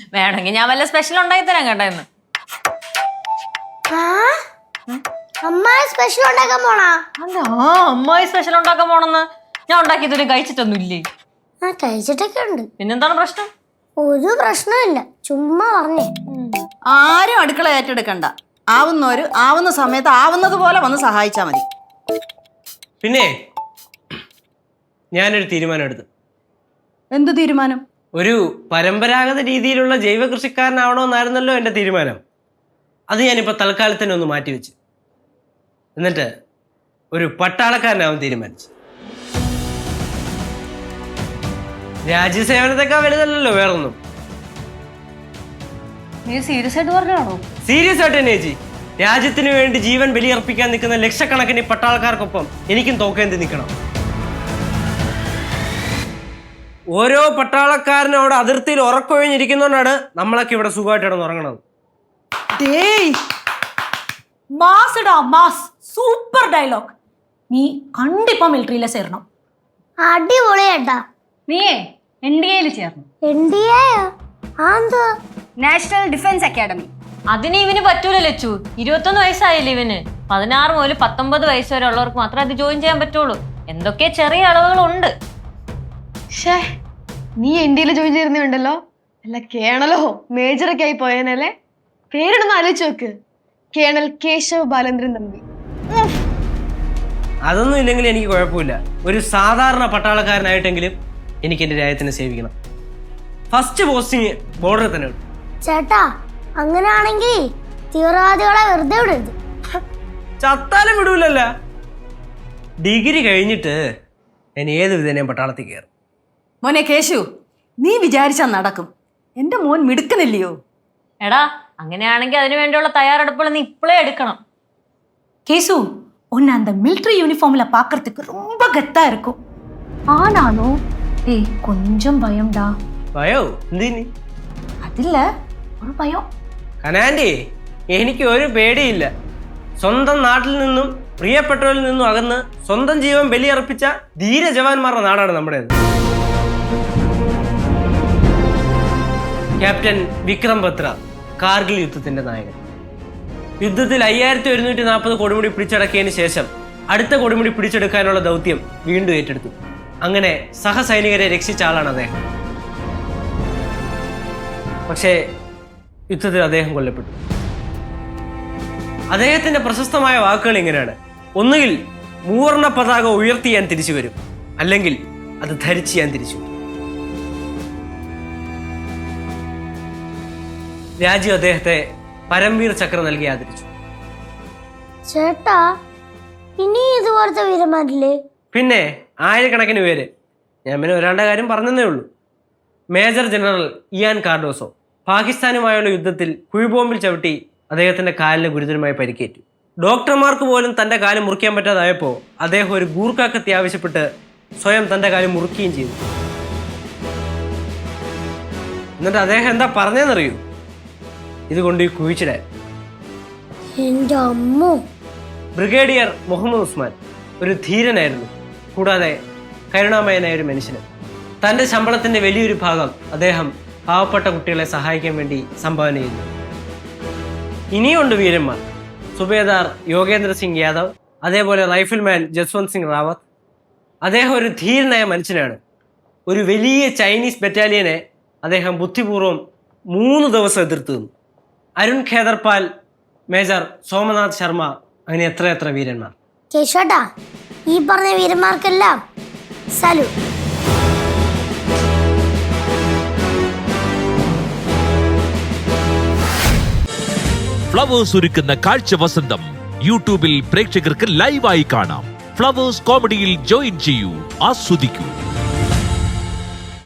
വേണമെങ്കിൽ ഞാൻ വല്ല സ്പെഷ്യൽ ഉണ്ടാക്കി തരാം കേട്ടോ ഇന്ന്. അമ്മായി സ്പെഷ്യൽ ഉണ്ടാക്കാൻ പോണാ? അല്ല, അമ്മായി സ്പെഷ്യൽ ഉണ്ടാക്കാൻ പോണെന്ന് ഞാൻ ഉണ്ടാക്കി ഇതുവരെ കഴിച്ചിട്ടൊന്നും ഇല്ലേ? കഴിച്ചിട്ടൊക്കെ ഉണ്ട്. പിന്നെന്താണ് പ്രശ്നം? ഒരു പ്രശ്നമില്ല, ചുമ്മാ പറഞ്ഞേ. ആരും അടുക്കള ഏറ്റെടുക്കണ്ട. ആവുന്നവര് ആവുന്ന സമയത്ത് ആവുന്നത് പോലെ വന്ന് സഹായിച്ചാ മതി. പിന്നെ ഞാനൊരു തീരുമാനം എടുത്തു. എന്ത് തീരുമാനം? ഒരു പരമ്പരാഗത രീതിയിലുള്ള ജൈവ കൃഷിക്കാരനാവണമെന്നായിരുന്നല്ലോ എൻ്റെ തീരുമാനം. അത് ഞാനിപ്പോൾ തൽക്കാലത്തിന് ഒന്ന് മാറ്റിവെച്ചു. എന്നിട്ട് ഒരു പട്ടാളക്കാരനാവാൻ തീരുമാനിച്ചു. രാജ്യസേവനത്തെക്കാൾ വലുതല്ലല്ലോ വേറൊന്നും. നീ സീരിയസ് ആയിട്ട് പറഞ്ഞാണോ? സീരിയസ് ആയിട്ട് തന്നെ ചേച്ചി. രാജ്യത്തിന് വേണ്ടി ജീവൻ ബലിയർപ്പിക്കാൻ നിൽക്കുന്ന ലക്ഷക്കണക്കിന് പട്ടാളക്കാർക്കൊപ്പം എനിക്കും തോക്കേന്തി നിൽക്കണം. ഓരോ പട്ടാളക്കാരനും അവിടെ അതിർത്തിയിൽ ഉറക്കൊഴിഞ്ഞിരിക്കുന്നതുകൊണ്ടാണ് നമ്മളൊക്കെ ഇവിടെ സുഖമായിട്ട് കിടന്നുറങ്ങണത്. Super dialogue. നീ കണ്ടിപ്പോ മിലിറ്ററിയിലെ ചേരണം. അടിപൊളിയേട്ടാ. നീയേ NDA ചേർന്നു. NDA? National defence academy. അതിന് ഇവന് പറ്റൂല ലച്ചു. 21 വയസ്സായില്ലേ ഇവന്. 16 മുതൽ 19 വയസ്സ് വരെ ഉള്ളവർക്ക് മാത്രമേ അത് ജോയിൻ ചെയ്യാൻ പറ്റുള്ളൂ. എന്തൊക്കെ ചെറിയ അളവുകളുണ്ട്. നീ NDA ജോയിൻ ചെയ്യുന്നുണ്ടല്ലോ. അല്ല കേണലോ മേജറൊക്കെ ആയി പോയനല്ലേ. പേരിടുന്ന ആലോചിച്ച് നോക്ക്. കേണൽ കേശവ് ബാലേന്ദ്രൻ തമ്പി. അതൊന്നും ഇല്ലെങ്കിൽ എനിക്ക് കുഴപ്പമില്ല. ഒരു സാധാരണ പട്ടാളക്കാരനായിട്ടെങ്കിലും എനിക്ക് എൻ്റെ രാജ്യത്തിനെ സേവിക്കണം. ഫസ്റ്റ് പോസ്റ്റിങ് ബോർഡറിൽ തന്നെ ഉണ്ട്. ചേട്ടാ, അങ്ങനെയാണെങ്കിൽ തീവ്രവാദികളെ വെറുതെ വിടരുത്. ചത്താലും വിടൂലല്ല. ഡിഗ്രി കഴിഞ്ഞിട്ട് ഞാൻ ഏത് വിധേനയും പട്ടാളത്തിൽ കയറും. മോനെ കേശു, നീ വിചാരിച്ചാ നടക്കും. എന്റെ മോൻ മിടുക്കനില്ലയോ? എടാ, അങ്ങനെയാണെങ്കിൽ അതിനു വേണ്ടിയുള്ള തയ്യാറെടുപ്പുകൾ നീ ഇപ്പോഴേ എടുക്കണം. கேசு, உன்னை அந்த மிலிட்டரி யூனிஃபார்ம்ல பாக்குறதுக்கு ரொம்ப கெத்தா இருக்கும். ஆனாலும் ஏய் கொஞ்சம் பயம்டா. ഭയോ എന്തിന്? அதில்ல ஒரு பயம். കനാൻഡി, എനിക്ക് ഒരു പേടിയില്ല. സ്വന്തം നാട്ടിൽ നിന്നും പ്രിയപ്പെട്ടവരിൽ നിന്നും അകന്ന് സ്വന്തം ജീവൻ ബലിയർപ്പിച്ച ധീര ജവാന്മാരുടെ നാടാണ് നമ്മുടേത്. ക്യാപ്റ്റൻ വിക്രം ബത്ര, കാർഗിൽ യുദ്ധത്തിന്റെ നായകൻ. യുദ്ധത്തിൽ 5140 കൊടുമുടി പിടിച്ചടക്കിയതിന് ശേഷം അടുത്ത കൊടുമുടി പിടിച്ചെടുക്കാനുള്ള ദൗത്യം വീണ്ടും ഏറ്റെടുത്തു. അങ്ങനെ സഹസൈനികരെ രക്ഷിച്ച ആളാണ് അദ്ദേഹം. പക്ഷേ യുദ്ധത്തിൽ അദ്ദേഹം കൊല്ലപ്പെട്ടു. അദ്ദേഹത്തിന്റെ പ്രശസ്തമായ വാക്കുകൾ ഇങ്ങനെയാണ്: ഒന്നുകിൽ മൂവർണ്ണ പതാക ഉയർത്തി ഞാൻ തിരിച്ചു വരും, അല്ലെങ്കിൽ അത് ധരിച്ച് ഞാൻ തിരിച്ചു വരും. രാജ്യം അദ്ദേഹത്തെ പരംവീർ ചക്ര നൽകി ആദരിച്ചു. ചേട്ടാ, ഇനി ഇതുപോലത്തെ വീരന്മാരില്ലേ? പിന്നെ ആയിരക്കണക്കിന് പേര്. ഞാൻ പിന്നെ ഒരാളുടെ കാര്യം പറഞ്ഞതേ ഉള്ളൂ. മേജർ ജനറൽ ഇയാൻ കാർഡോസോ പാകിസ്ഥാനുമായുള്ള യുദ്ധത്തിൽ കുഴിബോംബിൽ ചവിട്ടി അദ്ദേഹത്തിന്റെ കാലിന് ഗുരുതരമായി പരിക്കേറ്റു. ഡോക്ടർമാർക്ക് പോലും തന്റെ കാല് മുറിക്കാൻ പറ്റാതായപ്പോൾ അദ്ദേഹം ഒരു ഗൂർഖ കത്തി ആവശ്യപ്പെട്ട് സ്വയം തന്റെ കാല് മുറിക്കുകയും ചെയ്തു. എന്നിട്ട് അദ്ദേഹം എന്താ പറഞ്ഞതെന്നറിയൂ? ഇതുകൊണ്ട് ഈ കുഴിച്ചിടാൻ. എന്റെ അമ്മോ! ബ്രിഗേഡിയർ മുഹമ്മദ് ഉസ്മാൻ ഒരു ധീരനായിരുന്നു, കൂടാതെ കരുണാമയനായ ഒരു മനുഷ്യന്. തൻ്റെ ശമ്പളത്തിൻ്റെ വലിയൊരു ഭാഗം അദ്ദേഹം പാവപ്പെട്ട കുട്ടികളെ സഹായിക്കാൻ വേണ്ടി സംഭാവന ചെയ്തു. ഇനിയുണ്ട് വീരന്മാർ. സുബേദാർ യോഗേന്ദ്ര സിംഗ് യാദവ്, അതേപോലെ റൈഫിൾമാൻ ജസ്വന്ത് സിംഗ് റാവത്ത്. അദ്ദേഹം ഒരു ധീരനായ മനുഷ്യനാണ്. ഒരു വലിയ ചൈനീസ് ബറ്റാലിയനെ അദ്ദേഹം ബുദ്ധിപൂർവ്വം 3 ദിവസം എതിർത്ത് നിന്നു. അരുൺ ഖേദർപാൽ, മേജർ സോമനാഥ് ശർമ്മ, അങ്ങനെ എത്ര വീരന്മാർ. കേശോട്ടാ, ഈ പറഞ്ഞ വീരന്മാർക്കെല്ലാം സല്യൂട്ട്. ഫ്ലവേഴ്സ് ഒരുക്കുന്ന കാഴ്ച വസന്തം യൂട്യൂബിൽ പ്രേക്ഷകർക്ക് ലൈവായി കാണാം. ഫ്ലവേഴ്സ് കോമഡിയിൽ ജോയിൻ ചെയ്യൂ, ആസ്വദിക്കൂ.